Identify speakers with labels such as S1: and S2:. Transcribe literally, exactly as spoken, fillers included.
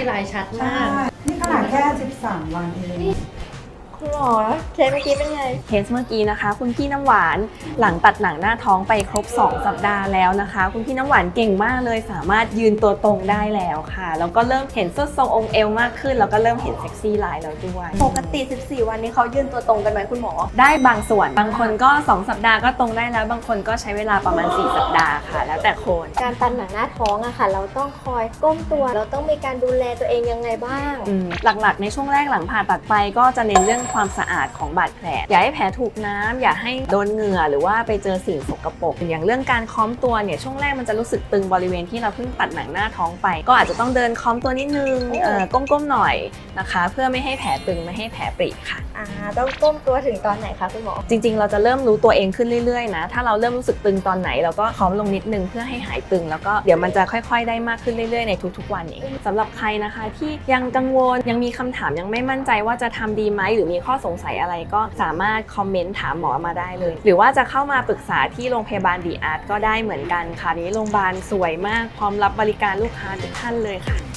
S1: ลายชัดมาก
S2: นี่ขนาดแค่สิบสามวันเอง
S1: คุณหมอเคสเมื่อกี้เป็นไง
S3: เคสเมื่อกี้นะคะคุณพี่น้ำหวานหลังตัดหนังหน้าท้องไปครบสองสัปดาห์แล้วนะคะคุณพี่น้ำหวานเก่งมากเลยสามารถยืนตัวตรงได้แล้วค่ะแล้วก็เริ่มเห็นส้นทรงองค์เอวมากขึ้นแล้วก็เริ่มเห็นเซ็กซี่ไลน์แล้วด้วย
S1: ปกติสิบสี่วันนี้เขายืนตัวตรงกันไหมคุณหมอ
S3: ได้บางส่วนบางคนก็สองสัปดาห์ก็ตรงได้แล้วบางคนก็ใช้เวลาประมาณสี่สัปดาห์ค่ะแล้วแต่คน
S1: การตัดหนังหน้าท้องอะค่ะเราต้องคอยก้มตัวเราต้องมีการดูแลตัวเองยังไงบ้าง
S3: อืมหลักๆในช่วงแรกหลังผ่าตัดไปก็จะเน้นเรื่องความสะอาดของบาดแผลอย่าให้แผลถูกน้ำอย่าให้โดนเหงื่อหรือว่าไปเจอสิ่งสกปรกอย่างเรื่องการค้อมตัวเนี่ยช่วงแรกมันจะรู้สึกตึงบริเวณที่เราเพิ่งตัดหนังหน้าท้องไปก็อาจจะต้องเดินค้อมตัวนิดนึงเอ่อก้มๆหน่อยนะคะเพื่อไม่ให้แผลตึงไม่ให้แผลปริค่ะ
S1: อ่าต้องก้มตัวถึงตอนไหนคะคุณหมอ
S3: จริงๆเราจะเริ่มรู้ตัวเองขึ้นเรื่อยๆนะถ้าเราเริ่มรู้สึกตึงตอนไหนเราก็ค้อมลงนิดนึงเพื่อให้หายตึงแล้วก็เดี๋ยวมันจะค่อยๆได้มากขึ้นเรื่อยๆในทุกๆวันเองสำหรับใครนะคะที่ยังกังวลยังมีคำถามยังไม่มั่นใจว่าจะทำดีไหมหรือมีข้อสงสัยอะไรก็สามารถคอมเมนต์ถามหมอมาได้เลยหรือว่าจะเข้ามาปรึกษาที่โรงพยาบาลดีอาร์ตก็ได้เหมือนกันค่ะนี้โรงพยาบาลสวยมากพร้อมรับบริการลูกค้าทุกท่านเลยค่ะ